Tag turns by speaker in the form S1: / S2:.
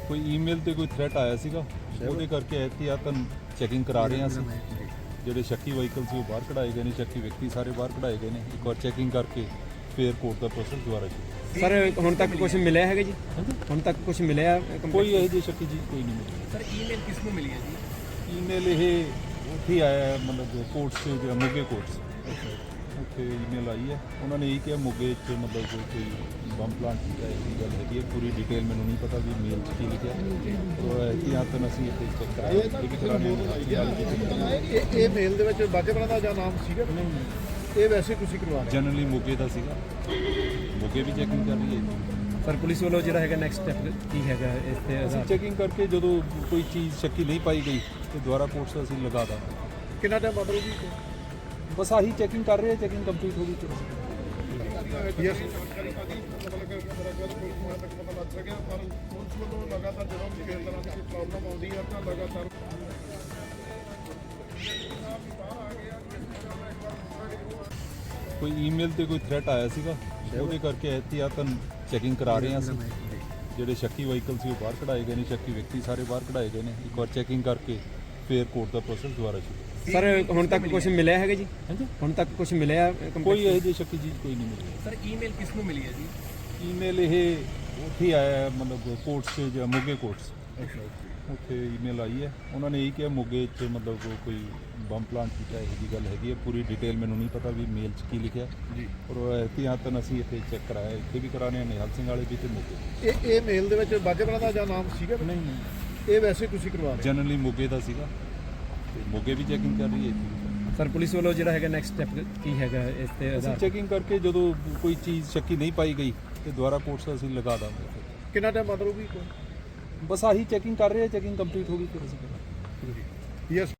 S1: ਕੋਈ ਈਮੇਲ ਤੇ ਕੋਈ ਥ੍ਰੈਟ ਆਇਆ ਸੀਗਾ, ਉਹਦੇ ਕਰਕੇ ਇਹਤਿਆਤਨ ਚੈਕਿੰਗ ਕਰਾ ਰਹੇ ਹਾਂ ਅਸੀਂ। ਜਿਹੜੇ ਸ਼ੱਕੀ ਵਹੀਕਲ ਸੀ ਉਹ ਬਾਹਰ ਕਢਾਏ ਗਏ ਨੇ, ਸ਼ੱਕੀ ਵਿਅਕਤੀ ਸਾਰੇ ਬਾਹਰ ਕਢਾਏ ਗਏ ਨੇ। ਇੱਕ ਵਾਰ ਚੈਕਿੰਗ ਕਰਕੇ ਫਿਰ ਕੋਰਟ ਦਾ ਪ੍ਰੋਸੈਸ ਦੁਬਾਰਾ ਸ਼ੁਰੂ।
S2: ਸਰ ਹੁਣ ਤੱਕ ਕੁਝ ਮਿਲਿਆ ਹੈਗਾ ਜੀ? ਹੁਣ ਤੱਕ ਕੁਝ ਮਿਲਿਆ?
S1: ਕੋਈ ਇਹੋ ਜਿਹੀ ਸ਼ੱਕੀ ਜੀ ਕੋਈ ਨਹੀਂ ਮਿਲੀ।
S3: ਸਰ ਈਮੇਲ ਕਿਸ ਨੂੰ ਮਿਲੀ ਹੈ ਜੀ?
S1: ਈਮੇਲ ਇਹ ਉੱਥੇ ਹੀ ਆਇਆ ਹੈ, ਮਤਲਬ ਕੋਰਟਸ ਤੇ ਜਿਹੜਾ ਮੋਗੇ ਕੋਰਟਸ ਉੱਥੇ ਈਮੇਲ ਆਈ ਹੈ। ਉਹਨਾਂ ਨੇ ਇਹ ਕਿਹਾ ਮੋਗੇ 'ਚ ਮਤਲਬ ਕੋਈ ਬੰਬ ਪਲਾਂਟ ਕੀਤਾ ਹੈ, ਇਹ ਗੱਲ ਹੈਗੀ ਹੈ। ਪੂਰੀ ਡਿਟੇਲ ਮੈਨੂੰ ਨਹੀਂ ਪਤਾ ਵੀ ਮੇਲ 'ਚ ਕੀ ਲਿਖਿਆ। ਉਹ ਇਹਤਿਆਤਨ ਅਸੀਂ ਇੱਥੇ ਚੈੱਕ ਕਰਾਇਆ, ਇਹ ਵੀ ਕਰਾਣੇ
S4: ਇਹ ਮੇਲ ਦੇ ਵਿੱਚ ਬਾਜੇਪੁਰਾ ਦਾ ਜਾਂ ਨਾਮ ਸੀਗਾ? ਇਹ ਵੈਸੇ ਤੁਸੀਂ ਕਰਵਾ ਰਹੇ?
S1: ਜਨਰਲੀ ਮੋਗੇ ਦਾ ਸੀਗਾ, ਮੋਗੇ ਵੀ ਚੈਕਿੰਗ ਕਰ ਰਹੀ ਹੈ।
S2: ਸਰ ਪੁਲਿਸ ਵੱਲੋਂ ਜਿਹੜਾ ਹੈਗਾ ਨੈਕਸਟ ਸਟੈਪ ਕੀ ਹੈਗਾ ਇਸ ਤੇ?
S1: ਅਸੀਂ ਚੈਕਿੰਗ ਕਰਕੇ ਜਦੋਂ ਕੋਈ ਚੀਜ਼ ਸ਼ੱਕੀ ਨਹੀਂ ਪਾਈ ਗਈ ਤੇ ਦੁਬਾਰਾ ਕੋਰਟਸ ਅਸੀਂ ਲਗਾ ਦਾਂਗੇ।
S4: ਕਿੰਨਾ ਟਾਈਮ ਬਾਅਦ ਹੋਊਗੀ?
S1: ਬਸ ਆਹੀ ਚੈਕਿੰਗ ਕਰ ਰਹੇ ਹਾਂ, ਚੈਕਿੰਗ ਕੰਪਲੀਟ ਹੋ ਗਈ ਫਿਰ
S4: ਯੈਸ।
S1: ਕੋਈ ਈਮੇਲ ਤੇ ਕੋਈ ਥ੍ਰੈਟ ਆਇਆ ਸੀਗਾ, ਉਹਦੇ ਕਰਕੇ ਇਹਤਿਆਤਨ ਚੈਕਿੰਗ ਕਰਾ ਰਹੇ ਹਾਂ ਅਸੀਂ। ਜਿਹੜੇ ਸ਼ੱਕੀ ਵਹੀਕਲ ਸੀ ਉਹ ਬਾਹਰ ਕਢਾਏ ਗਏ ਨੇ, ਸ਼ੱਕੀ ਵਿਅਕਤੀ ਸਾਰੇ ਬਾਹਰ ਕਢਾਏ ਗਏ ਨੇ। ਇੱਕ ਵਾਰ ਚੈਕਿੰਗ ਕਰਕੇ ਫਿਰ ਕੋਰਟ ਦਾ ਪ੍ਰੋਸੈਸ ਦੁਬਾਰਾ ਸ਼ੁਰੂ।
S2: ਸਰ ਹੁਣ ਤੱਕ ਕੁਝ ਮਿਲਿਆ ਹੈਗਾ ਜੀ? ਹੁਣ ਤੱਕ ਕੁਝ ਮਿਲਿਆ?
S1: ਕੋਈ ਇਹੋ ਜਿਹੀ ਸ਼ੱਕੀ ਚੀਜ਼ ਕੋਈ ਨਹੀਂ ਮਿਲੀ।
S3: ਸਰ ਈਮੇਲ ਕਿਸ ਨੂੰ ਮਿਲੀ ਹੈ ਜੀ?
S1: ਈਮੇਲ ਇਹ ਉੱਥੇ ਹੀ ਆਇਆ ਹੈ, ਮਤਲਬ ਕੋਰਟਸ ਤੇ ਜਿਹੜਾ ਮੋਗੇ ਕੋਰਟਸ ਉੱਥੇ ਈਮੇਲ ਆਈ ਹੈ। ਉਹਨਾਂ ਨੇ ਇਹ ਕਿਹਾ ਮੋਗੇ 'ਚ ਮਤਲਬ ਕੋਈ ਬੰਬ ਪਲਾਂਟ ਕੀਤਾ ਹੈ, ਇਹ ਗੱਲ ਹੈਗੀ ਹੈ। ਪੂਰੀ ਡਿਟੇਲ ਮੈਨੂੰ ਨਹੀਂ ਪਤਾ ਵੀ ਮੇਲ 'ਚ ਕੀ ਲਿਖਿਆ। ਔਰ ਉਹ ਇਹਤਿਆਤਨ ਅਸੀਂ ਇੱਥੇ ਚੈੱਕ ਕਰਾਇਆ, ਇੱਥੇ ਵੀ ਕਰਾਣੇ ਨਿਹਾਲ ਸਿੰਘ ਵਾਲੇ ਵੀ ਤੇ ਮੋਗੇ।
S4: ਇਹ ਮੇਲ ਦੇ ਵਿੱਚ ਬਾਜੇਪੁਰਾ ਦਾ ਜਾਂ ਨਾਮ ਸੀਗਾ?
S1: ਨਹੀਂ,
S4: ਇਹ ਵੈਸੇ ਤੁਸੀਂ ਕਰਵਾ ਰਹੇ?
S1: ਜਨਰਲੀ ਮੋਗੇ ਦਾ ਸੀਗਾ ਤੇ ਮੋਗੇ ਵੀ ਚੈਕਿੰਗ ਕਰ ਰਹੀ ਹੈ।
S2: ਸਰ ਪੁਲਿਸ ਵੱਲੋਂ ਜਿਹੜਾ ਹੈਗਾ ਨੈਕਸਟ ਸਟੈਪ ਕੀ ਹੈਗਾ ਇਸ ਤੇ?
S1: ਅਸੀਂ ਚੈਕਿੰਗ ਕਰਕੇ ਜਦੋਂ ਕੋਈ ਚੀਜ਼ ਸ਼ੱਕੀ ਨਹੀਂ ਪਾਈ ਗਈ ਤੇ ਦੁਬਾਰਾ ਕੋਰਟਸ ਅਸੀਂ ਲਗਾ ਦਾਂਗੇ।
S4: ਕਿੰਨਾ ਟਾਈਮ ਬਾਅਦ ਹੋਊਗੀ?
S1: ਬਸ ਆਹੀ ਚੈਕਿੰਗ ਕਰ ਰਹੇ ਹਾਂ, ਚੈਕਿੰਗ ਕੰਪਲੀਟ ਹੋ ਗਈ ਫਿਰ ਅਸੀਂ ਕਰਾਂਗੇ।
S4: ਯੈਸ।